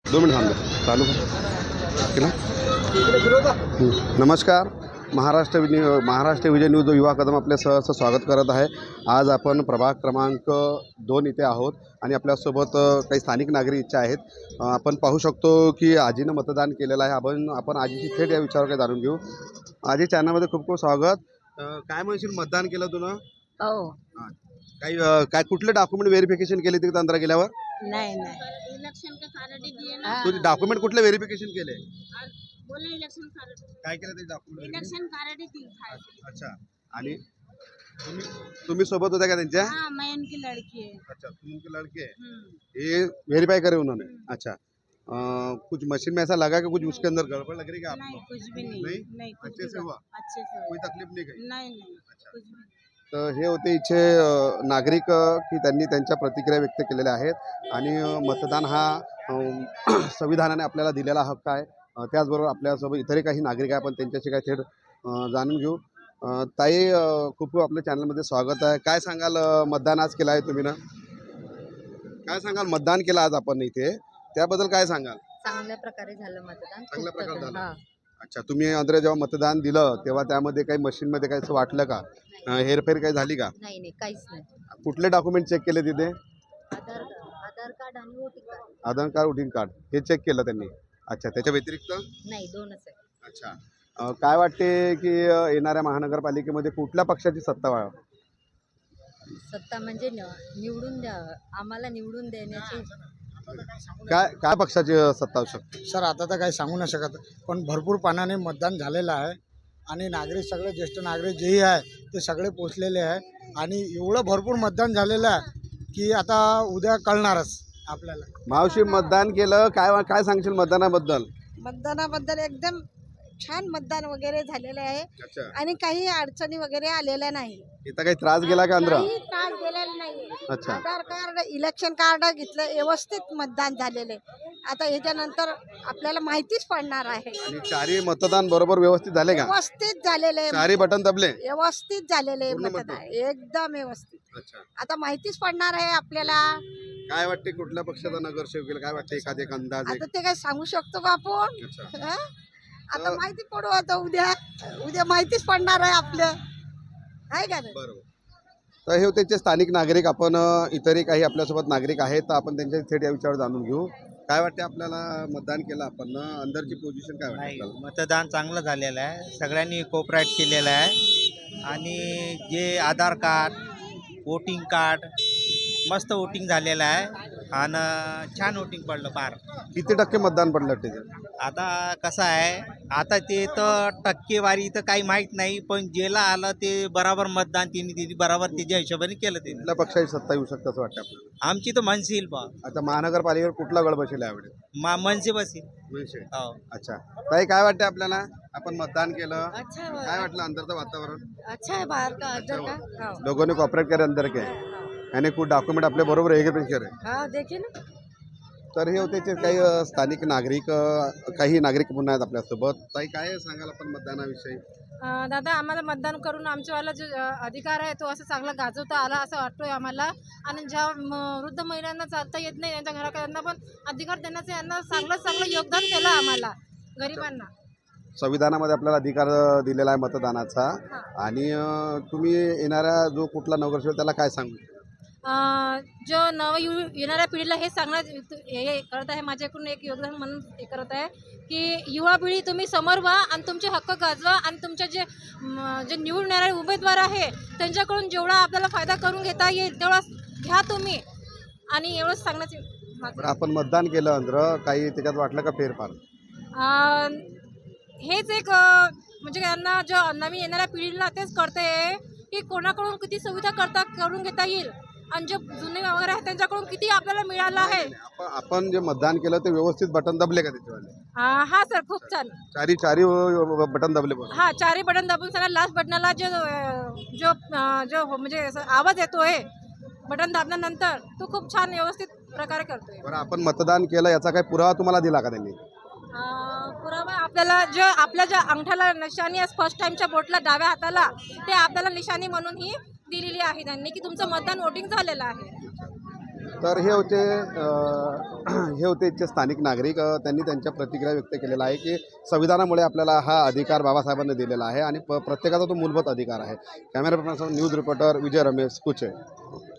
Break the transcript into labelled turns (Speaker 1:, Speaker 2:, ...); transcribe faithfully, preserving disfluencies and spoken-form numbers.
Speaker 1: दोन मिनिट थांबले चालू केलं. नमस्कार. महाराष्ट्र विनि महाराष्ट्र विजय न्यूज युवा कदम आपले सहर्ष स्वागत करत आहे. आज आपण प्रभाग क्रमांक दोन इथे आहोत आणि आपल्यासोबत काही स्थानिक नागरिक इच्छा आहेत. आपण पाहू शकतो की आजीनं मतदान केलेलं आहे. आपण आपण आजीची थेट या विचारावर काय जाणून घेऊ. आजी चॅनलमध्ये खूप खूप स्वागत. काय म्हणशील, मतदान केलं तुला?
Speaker 2: हो.
Speaker 1: काही काय कुठले डॉक्युमेंट व्हेरिफिकेशन केले तिथे अंदर गेल्यावर?
Speaker 2: नाही नाही
Speaker 3: इलेक्शन का कार्ड दिए ना,
Speaker 1: तुझे डॉक्युमेंट कुठले व्हेरिफिकेशन केले?
Speaker 3: बोले इलेक्शन कार्ड,
Speaker 1: काय केलं ते डॉक्युमेंट?
Speaker 3: इलेक्शन कार्ड दी था।
Speaker 1: अच्छा. आणि तुम्ही तुम्ही सोबत होता का त्यांच्या?
Speaker 3: हाँ, मैं उनकी लड़की है।
Speaker 1: अच्छा, तुम उनके लड़के हैं?
Speaker 3: हम्म।
Speaker 1: ये वेरीफाई करे उन्होंने? अच्छा. आ, कुछ मशीन में ऐसा लगा कि कुछ उसके अंदर गड़बड़ लग रही है
Speaker 3: नहीं,
Speaker 1: आपको?
Speaker 3: कुछ भी नहीं।
Speaker 1: नहीं?
Speaker 3: नहीं, कुछ
Speaker 1: अच्छे
Speaker 3: भी
Speaker 1: से हुआ?
Speaker 3: अच्छे से हुआ।
Speaker 1: कोई तकलीफ नाही काही?
Speaker 3: नहीं नहीं,
Speaker 1: अच्छा.
Speaker 3: कुछ भी नहीं।
Speaker 1: तर हे होते इथे अ, नागरिक अ, की त्यांनी त्यांच्या प्रतिक्रिया व्यक्त केलेल्या आहेत. आणि अ, मतदान हा अ, संविधानाने आपल्याला दिलेला हक्क आहे. अ, त्याचबरोबर आपल्यासोबत इतरही काही नागरिक आहे, आपण त्यांच्याशी काही थेट अ, जाणून घेऊ. अ, ताई, अ, खूप खूप आपल्या चॅनलमध्ये स्वागत आहे. काय सांगाल, अ, मतदान आज केलं आहे तुम्ही ना? काय सांगाल, मतदान केलं आज आपण इथे, त्याबद्दल काय सांगाल?
Speaker 2: चांगल्या प्रकारे झालं मतदान.
Speaker 1: चांगल्या
Speaker 2: खूप
Speaker 1: प्रकारे
Speaker 2: प्रकारे.
Speaker 1: झालं.
Speaker 2: हा.
Speaker 1: अच्छा, तुम्ही अंदर जेव्हा मतदान दिलं तेव्हा त्यामध्ये काही मशीनमध्ये काही असं वाटलं का? अ, हेरफेर काही झाली का?
Speaker 2: नाही नाही काहीच नाही.
Speaker 1: कुठले डॉक्युमेंट चेक केले तिथे?
Speaker 2: आधार आधार कार्ड आणि voting card.
Speaker 1: Aadhaar card, voting card हे चेक केलं त्यांनी? अच्छा, त्याच्या व्यतिरिक्त?
Speaker 2: नाही, दोनच आहे.
Speaker 1: अच्छा. अ, काय वाटते की अ, येणाऱ्या महानगरपालिकेमध्ये कुठल्या पक्षाची सत्ता वा
Speaker 2: सत्ता म्हणजे न- निवडून द्या, आम्हाला निवडून देण्याची.
Speaker 1: काय काय पक्षाची अ, सत्ता असू शकते?
Speaker 4: सर आता तर काही सांगू नाही शकत, पण भरपूर पाण्याने मतदान झालेलं आहे आणि नागरिक सगळे ज्येष्ठ नागरिक जेही आहे ते सगळे पोचलेले आहे आणि एवढं भरपूर मतदान झालेलं आहे की आता उद्या कळणारच आपल्याला.
Speaker 1: मावशी, मतदान केलं, काय काय सांगशील मतदानाबद्दल?
Speaker 5: मतदानाबद्दल एकदम छान मतदान वगैरे झालेले आहे
Speaker 1: अच्छा.
Speaker 5: आणि काही अडचणी वगैरे आलेल्या नाही.
Speaker 1: इथं काही त्रास गेला का अंदर?
Speaker 5: काही त्रास दिलेला नाही.
Speaker 1: अच्छा.
Speaker 5: आधार कार्ड, इलेक्शन कार्ड घेतलं, व्यवस्थित मतदान झालेले. आता ह्याच्यानंतर आपल्याला माहितीच पडणार आहे.
Speaker 1: आणि चारही मतदान बरोबर व्यवस्थित झाले का?
Speaker 5: व्यवस्थित झालेले,
Speaker 1: चारही बटन दबले?
Speaker 5: व्यवस्थित झालेले
Speaker 1: पूर्ण
Speaker 5: मतदान, एकदम व्यवस्थित.
Speaker 1: अच्छा.
Speaker 5: आता माहितीच पडणार आहे आपल्याला.
Speaker 1: काय वाटते, कुठल्या पक्षाचा नगरसेवक केला? काय वाटते, एखादे एक अंदाज आहे?
Speaker 5: आता ते काय सांगू शकतो का आपण?
Speaker 1: अच्छा.
Speaker 5: हं? आता माहिती पडू, आता उद्या उद्या माहितीच पडणार आहे आपलं, आहे का नाही?
Speaker 1: बरोबर. तर हे होते ते स्थानिक नागरिक. आपण अ, इतरही काही आपल्यासोबत नागरिक आहेत, तर आपण त्यांच्या थेट या विचारावर जाणून घेऊ. काय वाटते आपल्याला, मतदान केलं आपण ना, अंदरची पोझिशन काय वाटते
Speaker 6: नाही,
Speaker 1: आपल्याला?
Speaker 6: मतदान चांगलं झालेलं आहे. सगळ्यांनी कोऑपरेट केलेलं आहे आणि जे आधार कार्ड, वोटिंग कार्ड, मस्त वोटिंग झालेलं आहे आणि छान वोटिंग पडलं पार.
Speaker 1: किती टक्के मतदान पडलं त्याच्यात?
Speaker 6: आता कसं आहे, आता ते तर टक्केवारी तर काही माहीत नाही, पण जेला आलं ते बराबर मतदान तिने तिने बराबर त्याच्या हिशोबाने केलं ते.
Speaker 1: कुठल्या पक्षाची सत्ता येऊ शकतं असं वाटतं आपल्याला?
Speaker 6: आमची तर मनसील बा
Speaker 1: आता महानगरपालिकेवर कुठला गड बसेल यावेळी?
Speaker 6: मा मनसे बसील.
Speaker 1: मनसे.
Speaker 6: हो.
Speaker 1: अच्छा. ताई, काय वाटते आपल्याला? आपण मतदान केलं,
Speaker 5: अच्छा है,
Speaker 1: काय वाटलं अंदरचं वातावरण?
Speaker 5: अच्छा है बाहर का, अंदर का. हो.
Speaker 1: लोगों ने कॉपरेट करे अंदर के, यानी कुछ डॉक्युमेंट आपले बरोबर हे करे.
Speaker 5: हाँ, देखिए ना.
Speaker 1: तर हे होते ते काही अ, स्थानिक नागरिक, अ, काही नागरिक पुन्हा आहेत आपल्यासोबत. ताई, काय सांगाल आपण मतदानाविषयी?
Speaker 7: अं, दादा, आम्हाला मतदान करून आमच्यावाला जो अं, अधिकार आहे तो असं चांगला गाजवता आला असं वाटतोय आम्हाला. आणि ज्या म- वृद्ध महिलांना चालता येत नाही, त्यांच्या घराकडे पण अधिकार देण्याचं यांना चांगलं चांगलं योगदान केलं आम्हाला गरिबांना.
Speaker 1: संविधानामध्ये आपल्याला अधिकार अ, दिलेला आहे मतदानाचा. आणि अ, तुम्ही येणारा जो कुठला नगरसेवक त्याला काय सांगू?
Speaker 7: अं, जो नव यु- येणाऱ्या पिढीला हे सांगण्यात हे हे करत आहे, माझ्याकडून एक योगदान म्हणून हे करत आहे की युवा पिढी तुम्ही समोर व्हा आणि तुमचे हक्क गाजवा आणि तुमचे जे म, जे निवडून येणारे उमेदवार आहे त्यांच्याकडून जेवढा आपल्याला फायदा करून घेता येईल तेवढा घ्या तुम्ही. आणि एवढंच सांगण्याचे माझं.
Speaker 1: बरं, आपण मतदान केलं अंदर, काही त्याच्यात वाटलं का फेरफार?
Speaker 7: अं, हेच एक अं, म्हणजे यांना जो नवीन येणाऱ्या पिढीला तेच करते की कोणाकडून किती सुविधा करता करून घेता येईल आणि जे जुने वगैरे आहेत त्यांच्याकडून किती आपल्याला मिळालं आहे.
Speaker 1: आपण आपण जे मतदान केलं ते व्यवस्थित बटन दबले का त्याच्यावाले?
Speaker 7: अं, हा सर, खूप छान.
Speaker 1: चारी चारी बटन दबले बरोबर?
Speaker 7: हा, चारही बटन दाबून सगळ्या लास्ट बटनाला जो अं, जो अं, जो म्हणजे असं आवाज येतोय बटन दाबल्यानंतर, तो खूप छान व्यवस्थित प्रकारे करतोय.
Speaker 1: बरं, आपण मतदान केलं याचा काही पुरावा तुम्हाला दिला का त्यांनी?
Speaker 7: अं, पुरावा आपल्याला जो आपल्या ज्या अंगठ्याला निशाणी आहे, फर्स्ट टाइमच्या बोटला डाव्या हाताला, ते आपल्याला निशाणी म्हणून ही दिलेली आहे त्यांनी की तुमचं मतदान वोटिंग झालेलं आहे.
Speaker 1: तर हे होते अ, हे होते इथचे स्थानिक नागरिक. अ, त्यांनी त्यांच्या प्रतिक्रिया व्यक्त केलेला आहे की संविधानामुळे आपल्याला हा अधिकार बाबासाहेबांनी दिलेला आहे आणि प प्रत्येकाचा तो मूलभूत अधिकार आहे. Camera person news reporter Vijay Ramesh Kuche.